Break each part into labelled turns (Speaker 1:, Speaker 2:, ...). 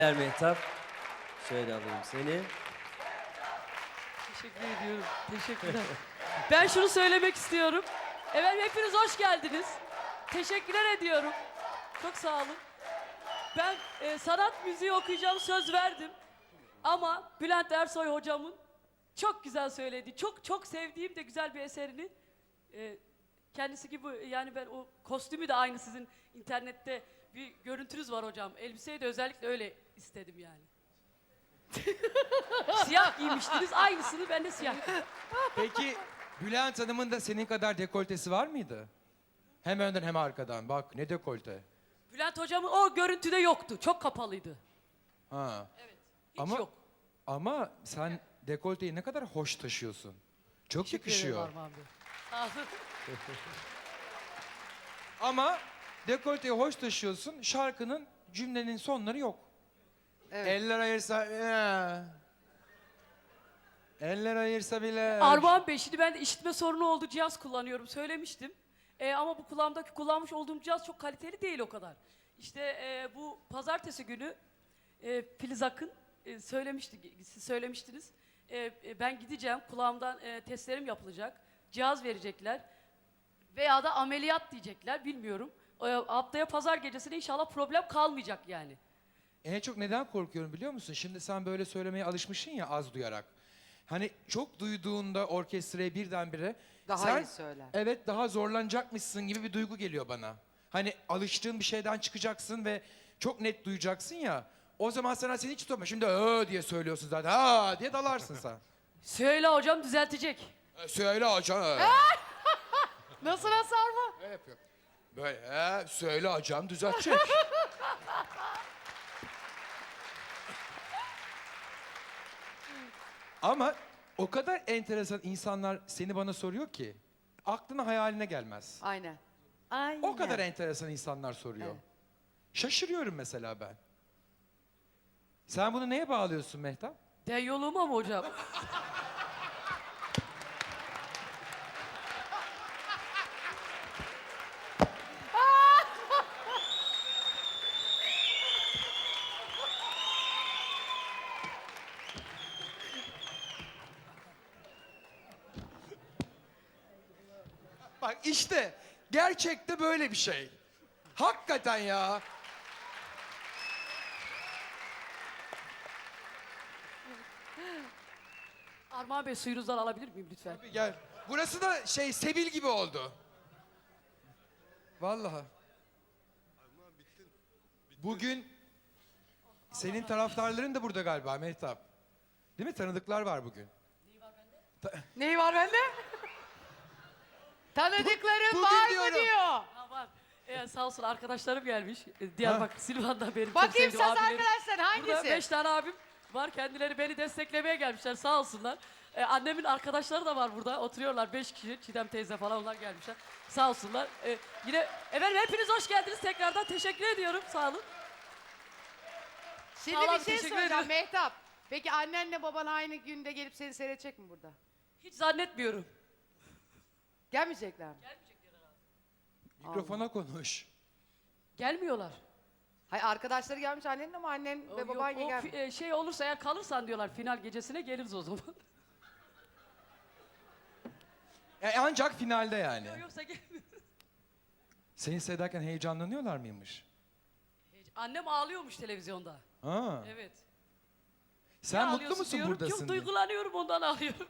Speaker 1: Mehtap, şöyle alayım seni.
Speaker 2: Teşekkür ediyorum. Teşekkürler. Ben şunu söylemek istiyorum. Efendim hepiniz hoş geldiniz. Teşekkürler ediyorum. Çok sağ olun. Ben sanat müziği okuyacağım söz verdim. Ama Bülent Ersoy hocamın çok güzel söylediği, çok sevdiğim de güzel bir eserini kendisi gibi, yani ben o kostümü de aynı, sizin internette bir görüntünüz var hocam. Elbiseyi de özellikle öyle istedim yani. Siyah giymiştiniz, aynısını ben de siyah giydim.
Speaker 3: Peki Bülent Hanım'ın da senin kadar dekoltesi var mıydı? Hem önden hem arkadan. Bak ne dekolte.
Speaker 2: Bülent hocamın o görüntüde yoktu, çok kapalıydı.
Speaker 3: Ha.
Speaker 2: Evet, hiç
Speaker 3: Ama
Speaker 2: yok.
Speaker 3: ama sen dekolteyi ne kadar hoş taşıyorsun. Çok
Speaker 2: Teşekkür ederim
Speaker 3: yakışıyor.
Speaker 2: Armağan Bey. Sağ olun.
Speaker 3: Ama dekolteyi hoş taşıyorsun. Şarkının cümlenin sonları yok.
Speaker 4: Evet.
Speaker 3: Eller ayırsa eller ayırsa bile.
Speaker 2: Armağan Bey, şimdi ben de işitme sorunu oldu, cihaz kullanıyorum, söylemiştim. Ama bu kulağımdaki kullanmış olduğum cihaz çok kaliteli değil o kadar. İşte bu pazartesi günü Filiz Akın söylemişti, siz söylemiştiniz. Ben gideceğim, kulağımdan testlerim yapılacak, cihaz verecekler veya da ameliyat diyecekler, bilmiyorum. Haftaya pazar gecesine inşallah problem kalmayacak yani.
Speaker 3: En çok neden korkuyorum biliyor musun? Şimdi sen böyle söylemeye alışmışsın ya az duyarak. Hani çok duyduğunda orkestraya birdenbire
Speaker 4: Daha
Speaker 3: sen,
Speaker 4: iyi söyler.
Speaker 3: evet, daha zorlanacakmışsın gibi bir duygu geliyor bana. Hani alıştığın bir şeyden çıkacaksın ve çok net duyacaksın ya. O zaman sana seni hiç tutma. Şimdi diye söylüyorsun zaten. Ha diye dalarsın sen.
Speaker 2: Söyle hocam, düzeltecek.
Speaker 3: Söyle hocam.
Speaker 4: Nasıl Sarma?
Speaker 3: Ne yapıyor? Böyle söyle hocam düzeltecek. Ama o kadar enteresan insanlar seni bana soruyor ki aklına hayaline gelmez.
Speaker 4: Aynen. Aynen.
Speaker 3: O kadar enteresan insanlar soruyor.
Speaker 4: Evet.
Speaker 3: Şaşırıyorum mesela ben. Sen bunu neye bağlıyorsun Mehtap?
Speaker 2: Den yoluma mı hocam?
Speaker 3: Bak işte gerçekte böyle bir şey. Hakikaten ya.
Speaker 2: Armağan Bey, suyunuzdan alabilir miyim lütfen?
Speaker 3: Gel. Burası da Sebil gibi oldu. Vallahi. Bugün senin taraftarların da burada galiba Mehtap. Değil mi? Tanıdıklar var bugün.
Speaker 4: Neyi var bende? Tanıdıklarım
Speaker 3: Bugün
Speaker 4: var
Speaker 3: diyorum.
Speaker 4: mı diyor.
Speaker 2: Ha, var. Sağ olsun arkadaşlarım gelmiş. Diyarbakır, Silvan'dan benim çok
Speaker 4: Bakayım
Speaker 2: sevdiğim
Speaker 4: saz
Speaker 2: abilerim.
Speaker 4: arkadaşlar
Speaker 2: Burada
Speaker 4: hangisi?
Speaker 2: 5 tane abim var. Kendileri beni desteklemeye gelmişler, sağ olsunlar. Annemin arkadaşları da var burada. Oturuyorlar 5 kişi. Çiğdem teyze falan, onlar gelmişler. Sağ olsunlar. Yine efendim hepiniz hoş geldiniz. Tekrardan teşekkür ediyorum. Sağ olun.
Speaker 4: Şimdi
Speaker 2: Sağ olun,
Speaker 4: bir şey
Speaker 2: teşekkür
Speaker 4: soracağım
Speaker 2: ederim.
Speaker 4: Mehtap. Peki annenle baban aynı günde gelip seni seyredecek mi burada?
Speaker 2: Hiç zannetmiyorum.
Speaker 4: Gelmeyecekler mi?
Speaker 3: Mikrofona konuş.
Speaker 2: Gelmiyorlar.
Speaker 4: Hayır, arkadaşları gelmiş annenin ama annen ve baban gelmiyor.
Speaker 2: Şey olursa, eğer kalırsan diyorlar, final gecesine geliriz o zaman.
Speaker 3: Ancak finalde yani.
Speaker 2: Yoksa gelmiyor.
Speaker 3: Seni seyrederken heyecanlanıyorlar mıymış?
Speaker 2: Annem ağlıyormuş televizyonda.
Speaker 3: Ha.
Speaker 2: Evet.
Speaker 3: Sen
Speaker 2: Niye
Speaker 3: mutlu
Speaker 2: ağlıyorsun
Speaker 3: musun
Speaker 2: diyorum,
Speaker 3: buradasın
Speaker 2: Çok
Speaker 3: diye.
Speaker 2: duygulanıyorum, ondan ağlıyorum.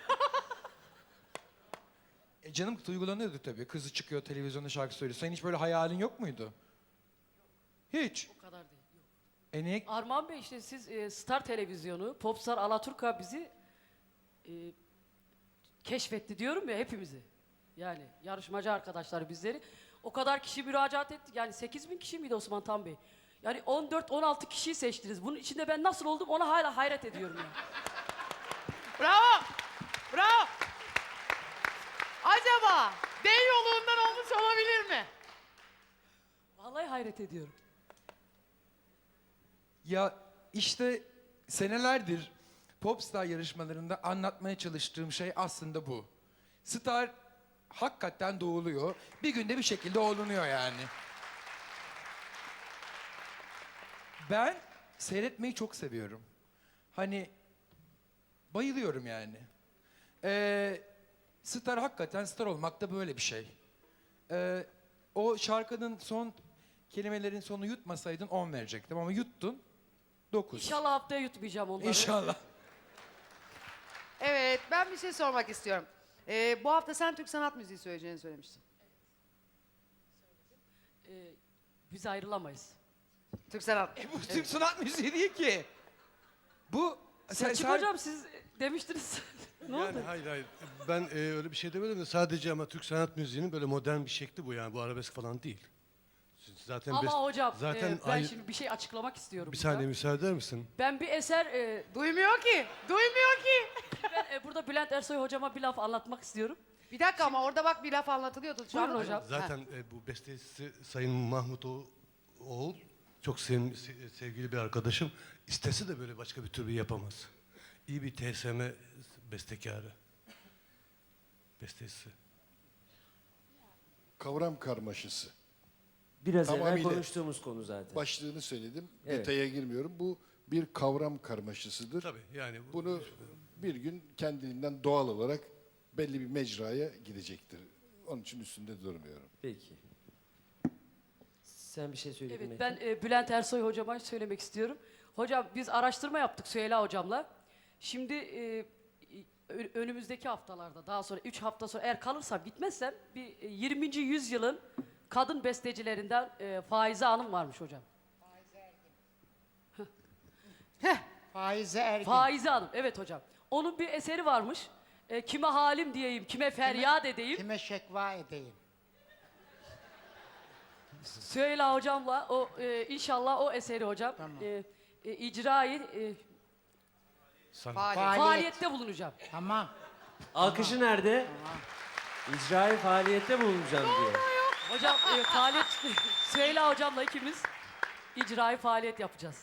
Speaker 3: Canım duygulanıyordu tabii. Kızı çıkıyor televizyonda şarkı söylüyor. Senin hiç böyle hayalin yok muydu? Hiç.
Speaker 2: O kadar değil. Yok.
Speaker 3: Niye?
Speaker 2: Armağan Bey, işte siz Star Televizyonu, Popstar Alaturka bizi keşfetti diyorum ya, hepimizi. Yani yarışmacı arkadaşlar bizleri. O kadar kişi müracaat etti. Yani 8.000 kişi miydi Osman Tan Bey? Yani 14-16 kişiyi seçtiniz. Bunun içinde ben nasıl oldum, ona hala hayret ediyorum yani.
Speaker 4: Bravo! Bravo! Acaba den yolundan olmuş olabilir mi?
Speaker 2: Vallahi hayret ediyorum.
Speaker 3: Ya işte senelerdir Popstar yarışmalarında anlatmaya çalıştığım şey aslında bu. Star hakikaten doğuluyor. Bir günde bir şekilde olunuyor yani. Ben seyretmeyi çok seviyorum. Hani bayılıyorum yani. Star hakikaten star olmak da böyle bir şey. O şarkının son kelimelerin sonu yutmasaydın 10 verecektim ama yuttun 9.
Speaker 2: İnşallah haftaya yutmayacağım onları.
Speaker 3: İnşallah.
Speaker 4: Evet, ben bir şey sormak istiyorum. Bu hafta sen Türk sanat müziği söyleyeceğini söylemiştin.
Speaker 2: Biz ayrılamayız.
Speaker 4: Türk sanat.
Speaker 3: Bu Türk sanat müziği değil ki. Bu
Speaker 2: Selçuk hocam siz demiştiniz. Ne
Speaker 5: Yani
Speaker 2: oldu?
Speaker 5: hayır. Ben öyle bir şey demedim de sadece ama Türk sanat müziğinin böyle modern bir şekli bu yani. Bu arabesk falan değil. Zaten
Speaker 2: Ama hocam
Speaker 5: zaten
Speaker 2: ben şimdi bir şey açıklamak istiyorum.
Speaker 5: bir
Speaker 2: burada.
Speaker 5: saniye müsaade eder misin?
Speaker 2: Ben bir eser,
Speaker 4: Duymuyor ki. Duymuyor ki.
Speaker 2: ben burada Bülent Ersoy hocama bir laf anlatmak istiyorum.
Speaker 4: Bir dakika ama orada bak bir laf anlatılıyordu. Şu
Speaker 2: Buyurun
Speaker 4: an-
Speaker 2: hocam.
Speaker 5: Zaten bu bestecisi Sayın Mahmut Oğul çok sevgili bir arkadaşım. İstese de böyle başka bir türlü yapamaz. İyi bir TSM bestekarı. Bestecisi.
Speaker 6: Kavram karmaşası.
Speaker 1: Biraz evvel
Speaker 6: Tamamıyla.
Speaker 1: konuştuğumuz konu zaten.
Speaker 6: Başlığını söyledim.
Speaker 1: Evet.
Speaker 6: Detaya girmiyorum. Bu bir kavram karmaşasıdır.
Speaker 5: Tabii yani
Speaker 6: Bunu bir gün kendiliğinden doğal olarak belli bir mecraya gidecektir. Onun için üstünde durmuyorum.
Speaker 1: Peki. Sen bir şey söyledin
Speaker 2: Evet,
Speaker 1: Metin.
Speaker 2: ben Bülent Ersoy hocama söylemek istiyorum. Hocam biz araştırma yaptık Süheyla hocamla. Şimdi önümüzdeki haftalarda, daha sonra 3 hafta sonra eğer kalırsam, gitmezsem bir 20. yüzyılın kadın bestecilerinden Faize Hanım varmış hocam.
Speaker 7: Faize Ergin.
Speaker 2: Faize Hanım, evet hocam. Onun bir eseri varmış. Kime halim diyeyim, kime feryat edeyim.
Speaker 7: Kime şekva edeyim?
Speaker 2: Süheyla hocamla inşallah o eseri hocam
Speaker 7: Tamam.
Speaker 2: icrayı
Speaker 4: Faaliyet.
Speaker 2: faaliyette bulunacağım.
Speaker 7: Tamam.
Speaker 1: Alkışı nerede? İcrai faaliyette bulunacağım diye.
Speaker 2: Hocam faaliyet Süheyla hocamla ikimiz icrayı faaliyet yapacağız.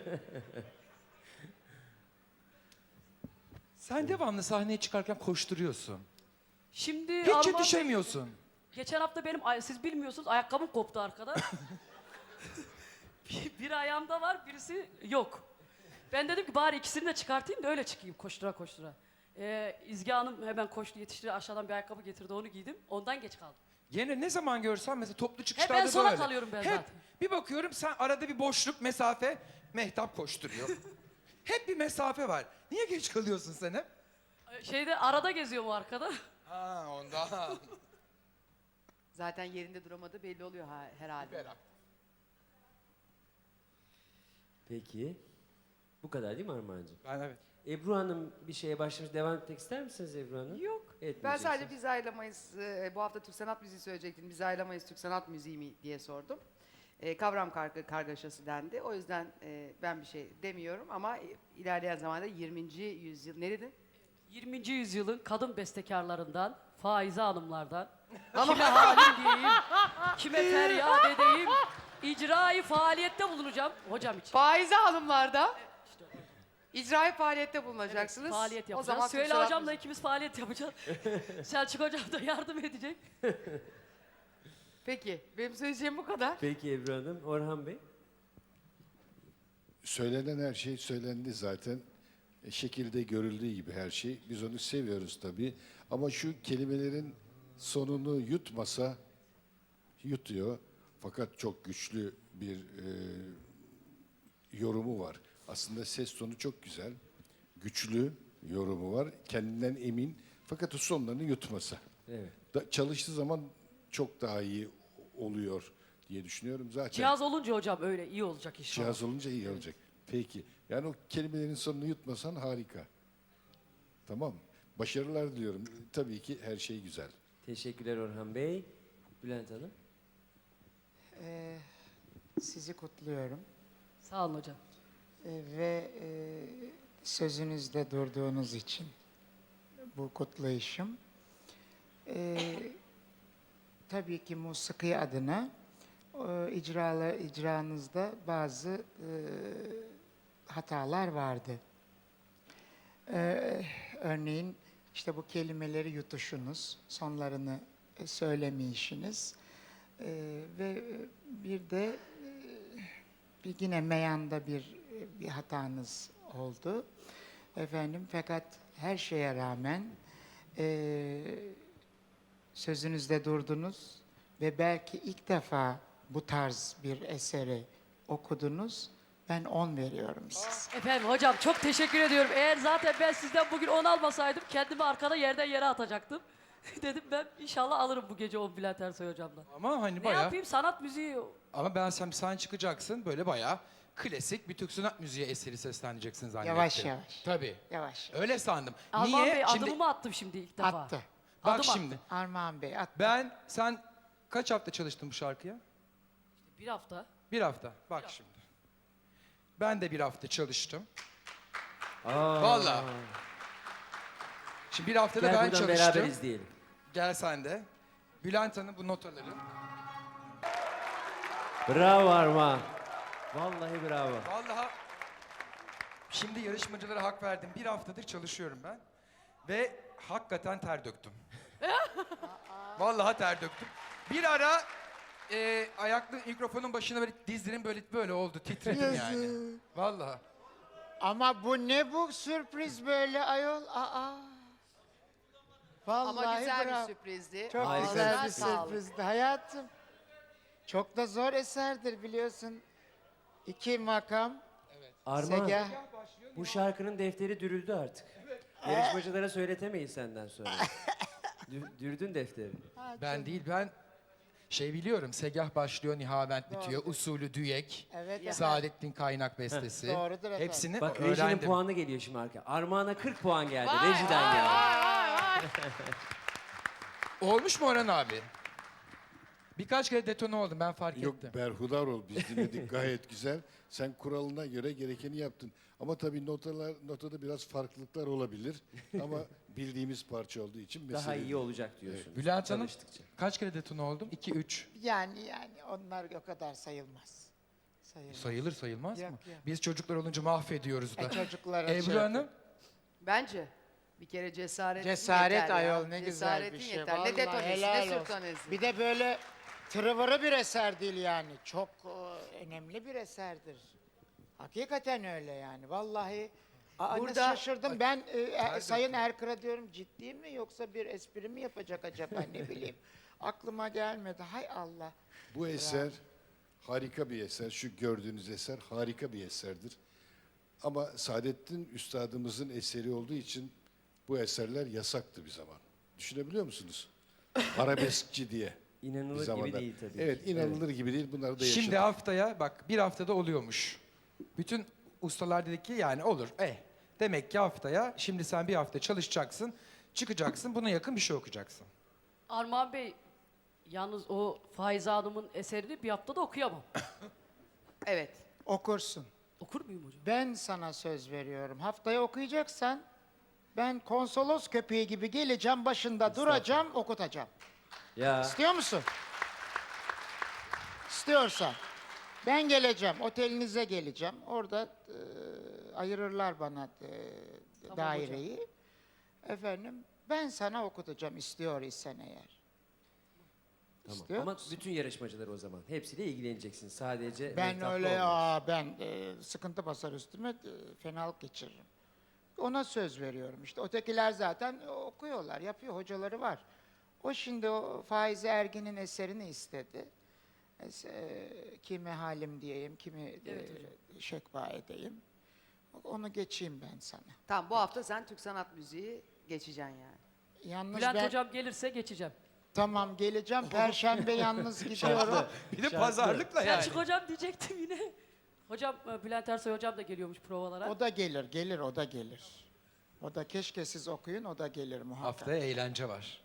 Speaker 3: Sen devamlı sahneye çıkarken koşturuyorsun.
Speaker 2: Şimdi
Speaker 3: Hiç
Speaker 2: Alman-
Speaker 3: yetişemiyorsun.
Speaker 2: geçen hafta benim siz bilmiyorsunuz ayakkabım koptu arkada. bir ayağımda var, birisi yok. Ben dedim ki bari ikisini de çıkartayım da öyle çıkayım koştura koştura. İzgi Hanım hemen koştu, yetişti, aşağıdan bir ayakkabı getirdi, onu giydim. Ondan geç kaldım.
Speaker 3: Gene ne zaman görsem mesela toplu
Speaker 2: Hep
Speaker 3: çıkışlarda
Speaker 2: en sona
Speaker 3: böyle.
Speaker 2: kalıyorum ben
Speaker 3: Hep
Speaker 2: zaten.
Speaker 3: bir bakıyorum sen arada bir boşluk mesafe Mehtap koşturuyor. Hep bir mesafe var. Niye geç kalıyorsun sen hep?
Speaker 2: Şeyde arada geziyorum arkada.
Speaker 3: Ha ondan.
Speaker 4: Zaten yerinde duramadı belli oluyor herhalde.
Speaker 1: Peki. Bu kadar değil mi Armağan'cığım?
Speaker 3: Ben evet.
Speaker 1: Ebru Hanım bir şeye başlamış. Devam etmek ister misiniz Ebru Hanım?
Speaker 4: Yok. Ben
Speaker 1: Etmeyeceksiniz.
Speaker 4: sadece biz ayrılamayız. Bu hafta Türk sanat müziği söyleyecektim. Biz ayrılamayız Türk sanat müziği mi diye sordum. Kavram kargaşası dendi. O yüzden ben bir şey demiyorum ama ilerleyen zamanda 20. yüzyıl ne dedin?
Speaker 2: 20. yüzyılın kadın bestekarlarından, Faize Hanımlardan, kime halim diyeyim, kime feryat edeyim, icrayı faaliyette bulunacağım hocam için.
Speaker 4: Faize hanımlarda icrai faaliyette bulunacaksınız.
Speaker 2: Faaliyet
Speaker 4: O
Speaker 2: yapacağız.
Speaker 4: zaman Türk
Speaker 2: Süheyla
Speaker 4: sanat
Speaker 2: hocamla
Speaker 4: müziği-
Speaker 2: ikimiz faaliyet yapacağız. Selçuk hocam da yardım edecek.
Speaker 4: Peki, benim söyleyeceğim bu kadar.
Speaker 1: Peki Ebru Hanım. Orhan Bey.
Speaker 6: Söylenen her şey söylendi zaten. Şekilde görüldüğü gibi her şey. Biz onu seviyoruz tabii. Ama şu kelimelerin sonunu yutmasa yutuyor. Fakat çok güçlü bir yorumu var. Aslında ses tonu çok güzel. Güçlü yorumu var. Kendinden emin. Fakat o sonlarını yutmasa.
Speaker 1: Evet.
Speaker 6: Çalıştığı zaman çok daha iyi oluyor diye düşünüyorum. Zaten
Speaker 2: Cihaz olunca hocam öyle iyi olacak inşallah.
Speaker 6: cihaz olunca iyi olacak. Peki. Yani o kelimelerin sonunu yutmasan harika. Tamam. Başarılar diliyorum. Tabii ki her şey güzel.
Speaker 1: Teşekkürler Orhan Bey. Bülent Hanım.
Speaker 7: Sizi kutluyorum.
Speaker 2: Sağ olun hocam.
Speaker 7: Ve sözünüzde durduğunuz için bu kutlayışım. Tabii ki musiki adına icranızda bazı hatalar vardı. Örneğin işte bu kelimeleri yutuşunuz, sonlarını söylemeyişiniz ve bir de bir yine meyanda bir bir hatanız oldu. Efendim fakat her şeye rağmen sözünüzde durdunuz ve belki ilk defa bu tarz bir eseri okudunuz. Ben 10 veriyorum size.
Speaker 2: Efendim hocam çok teşekkür ediyorum. Eğer zaten ben sizden bugün 10 almasaydım kendimi arkada yerden yere atacaktım. Dedim ben inşallah alırım bu gece 10 Bülent Ersoy hocamdan.
Speaker 3: Ama hani
Speaker 2: Ne
Speaker 3: bayağı...
Speaker 2: yapayım sanat müziği
Speaker 3: Ama ben sen çıkacaksın böyle bayağı klasik bir Türk sanat müziği eseri sesleneceksin zannettim.
Speaker 7: Yavaş yavaş.
Speaker 3: Tabii.
Speaker 7: Yavaş.
Speaker 3: Öyle sandım.
Speaker 2: Armağan
Speaker 3: Niye?
Speaker 2: Bey
Speaker 3: Şimdi
Speaker 2: adımı mı attım şimdi ilk defa?
Speaker 7: Attı.
Speaker 3: bak
Speaker 2: adım
Speaker 3: şimdi.
Speaker 7: Armağan Bey attı.
Speaker 3: Sen kaç hafta çalıştın bu şarkıya?
Speaker 2: Bir hafta.
Speaker 3: Bir hafta. Bak şimdi. Ben de bir hafta çalıştım.
Speaker 1: Aa.
Speaker 3: Vallahi. Şimdi bir haftada
Speaker 1: Gel
Speaker 3: ben
Speaker 1: buradan
Speaker 3: çalıştım.
Speaker 1: beraber izleyelim.
Speaker 3: Gel sen de. Bülent Hanım bu notaları.
Speaker 1: Bravo Armağan. Vallahi bravo.
Speaker 3: Vallahi şimdi yarışmacılara hak verdim. Bir haftadır çalışıyorum ben. Ve hakikaten ter döktüm. Vallahi ter döktüm. Bir ara ayaklı mikrofonun başına böyle dizlerim böyle oldu. Titredim yani. Vallahi.
Speaker 7: Ama bu ne bu sürpriz böyle ayol? Aa. Vallahi
Speaker 4: Ama güzel
Speaker 7: bravo.
Speaker 4: bir sürprizdi.
Speaker 7: Çok
Speaker 1: Harika
Speaker 7: güzel bir
Speaker 4: Ağzına sağlık.
Speaker 7: sürprizdi hayatım. Çok da zor eserdir biliyorsun. 2 makam,
Speaker 1: Armağan,
Speaker 7: segah.
Speaker 1: bu şarkının defteri dürüldü artık. Yarışmacılara söyletemeyiz senden sonra. Dürdün defteri.
Speaker 3: Ben değil ben biliyorum. Segah başlıyor, Nihavent bitiyor. Usulü düyek.
Speaker 7: Evet efendim.
Speaker 3: Saadettin Kaynak bestesi.
Speaker 7: Doğrudur efendim.
Speaker 3: Hepsini
Speaker 1: Bak rejinin
Speaker 3: öğrendim.
Speaker 1: puanı geliyor şimdi arka. Armağan'a 40 puan geldi. Rejiden geldi.
Speaker 3: Olmuş mu Orhan abi? Birkaç kere detone oldum ben fark
Speaker 6: Yok
Speaker 3: ettim.
Speaker 6: berhudar ol. Biz dinledik gayet güzel. Sen kuralına göre gerekeni yaptın. Ama tabii notada biraz farklılıklar olabilir. Ama bildiğimiz parça olduğu için
Speaker 1: Daha
Speaker 6: mesele
Speaker 1: iyi
Speaker 6: değil.
Speaker 1: olacak diyorsun.
Speaker 3: Bülent Hanım
Speaker 1: Çalıştıkça.
Speaker 3: kaç kere detone oldum? 2-3.
Speaker 7: Yani onlar o kadar sayılmaz. Sayılmaz.
Speaker 3: Sayılır sayılmaz
Speaker 7: Yok,
Speaker 3: mı?
Speaker 7: yok.
Speaker 3: Biz çocuklar olunca mahvediyoruz da.
Speaker 7: Çocuklara
Speaker 3: Ebru
Speaker 7: şey
Speaker 3: Hanım
Speaker 4: Bence bir kere cesaret
Speaker 7: Cesaret
Speaker 4: yeter ya.
Speaker 7: ayol ne güzel bir
Speaker 4: Cesaretin
Speaker 7: şey.
Speaker 4: yeter.
Speaker 7: Vallahi
Speaker 4: Ne detonesi
Speaker 7: helal
Speaker 4: ne
Speaker 7: olsun.
Speaker 4: sürtonesi.
Speaker 7: Bir de böyle tırıvırı bir eser değil yani. Çok önemli bir eserdir. Hakikaten öyle yani. Vallahi nasıl
Speaker 4: Burada-
Speaker 7: şaşırdım. Ben Sayın Erkır'a diyorum ciddi mi yoksa bir espri mi yapacak acaba ne bileyim. Aklıma gelmedi. Hay Allah.
Speaker 6: Bu eser harika bir eser. Şu gördüğünüz eser harika bir eserdir. Ama Saadettin Üstadımızın eseri olduğu için bu eserler yasaktı bir zaman. Düşünebiliyor musunuz? Arabeskçi diye.
Speaker 1: İnanılır
Speaker 6: bir
Speaker 1: gibi
Speaker 6: zamanlar.
Speaker 1: değil tabii
Speaker 6: Evet
Speaker 1: ki.
Speaker 6: inanılır gibi değil. Bunları da yaşadık.
Speaker 3: şimdi haftaya bak bir haftada oluyormuş. Bütün ustalar dedi ki yani olur. Demek ki haftaya şimdi sen bir hafta çalışacaksın. Çıkacaksın buna yakın bir şey okuyacaksın.
Speaker 2: Armağan Bey yalnız o Faize Hanım'ın eserini bir haftada okuyamam.
Speaker 4: Evet.
Speaker 7: Okursun.
Speaker 2: Okur muyum hocam?
Speaker 7: Ben sana söz veriyorum. Haftaya okuyacaksan ben konsolos köpeği gibi geleceğim, başında duracağım, okutacağım.
Speaker 1: Ya
Speaker 7: İstiyor musun? İstiyorsan. Ben geleceğim, otelinize geleceğim. Orada ayırırlar bana daireyi. Efendim, ben sana okutacağım istiyor isen eğer.
Speaker 1: tamam.
Speaker 7: İstiyor
Speaker 1: Ama
Speaker 7: musun?
Speaker 1: bütün yarışmacılar o zaman. Hepsiyle ilgileneceksin. Sadece
Speaker 7: Ben
Speaker 1: Mehtap'la
Speaker 7: öyle
Speaker 1: olmaz.
Speaker 7: ben sıkıntı basar üstüme, fenalık geçiririm. Ona söz veriyorum işte. Ötekiler zaten okuyorlar, yapıyor, hocaları var. O şimdi o Faize Ergin'in eserini istedi. Kimi halim diyeyim, kimi şekva edeyim. Onu geçeyim ben sana.
Speaker 4: Tamam bu hafta sen Türk sanat müziği geçeceksin yani.
Speaker 7: Yalnız
Speaker 2: Bülent
Speaker 7: ben
Speaker 2: hocam gelirse geçeceğim.
Speaker 7: tamam geleceğim. Perşembe yalnız gidiyorum.
Speaker 3: Bir de pazarlıkla yani.
Speaker 2: Selçuk hocam diyecektim yine. Hocam Bülent Ersoy hocam da geliyormuş provalara.
Speaker 7: O da gelir, o da gelir. O da keşke siz okuyun, o da gelir muhakkak.
Speaker 3: Haftaya eğlence var.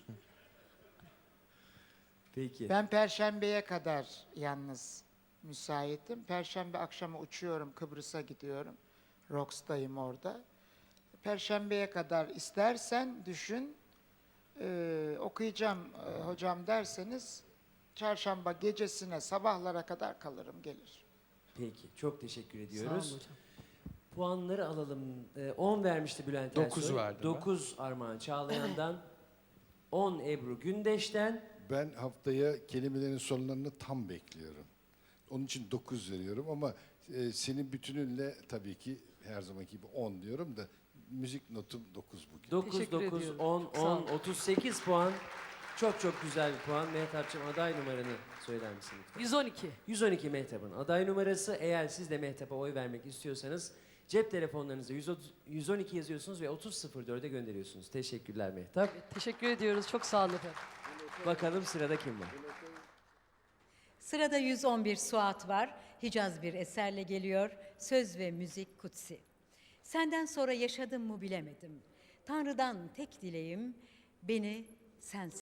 Speaker 1: Peki.
Speaker 7: Ben Perşembe'ye kadar yalnız müsaitim. Perşembe akşamı uçuyorum, Kıbrıs'a gidiyorum. Rox'tayım orada. Perşembe'ye kadar istersen düşün, okuyacağım hocam derseniz, çarşamba gecesine sabahlara kadar kalırım, gelir.
Speaker 1: Peki. Çok teşekkür
Speaker 2: Sağ olun
Speaker 1: ediyoruz.
Speaker 2: hocam.
Speaker 1: Puanları alalım. 10 vermişti Bülent
Speaker 3: 9
Speaker 1: Ersoy.
Speaker 3: verdim ben.
Speaker 1: 9 Armağan Çağlayan'dan. 10 Ebru Gündeş'ten.
Speaker 6: Ben haftaya kelimelerin sonlarını tam bekliyorum. Onun için 9 veriyorum ama Senin bütününle tabii ki her zamanki gibi 10 diyorum da müzik notum 9 bugün.
Speaker 1: 9,
Speaker 2: Teşekkür
Speaker 1: 9,
Speaker 2: ediyorum.
Speaker 1: 10,
Speaker 2: Sağ
Speaker 1: 10,
Speaker 2: ol.
Speaker 1: 38 puan. Çok çok güzel bir puan. Mehtapçığım aday numaranı söyler misin lütfen?
Speaker 2: 112.
Speaker 1: 112 Mehtap'ın aday numarası. Eğer siz de Mehtap'a oy vermek istiyorsanız cep telefonlarınıza 112 yazıyorsunuz ve 3004'e gönderiyorsunuz. Teşekkürler Mehtap.
Speaker 2: Teşekkür ediyoruz. Çok sağ olun efendim.
Speaker 1: Bakalım sırada kim var?
Speaker 8: Sırada 111 Suat var. Hicaz bir eserle geliyor. Söz ve müzik kutsi. Senden sonra yaşadım mı bilemedim. Tanrı'dan tek dileğim beni sen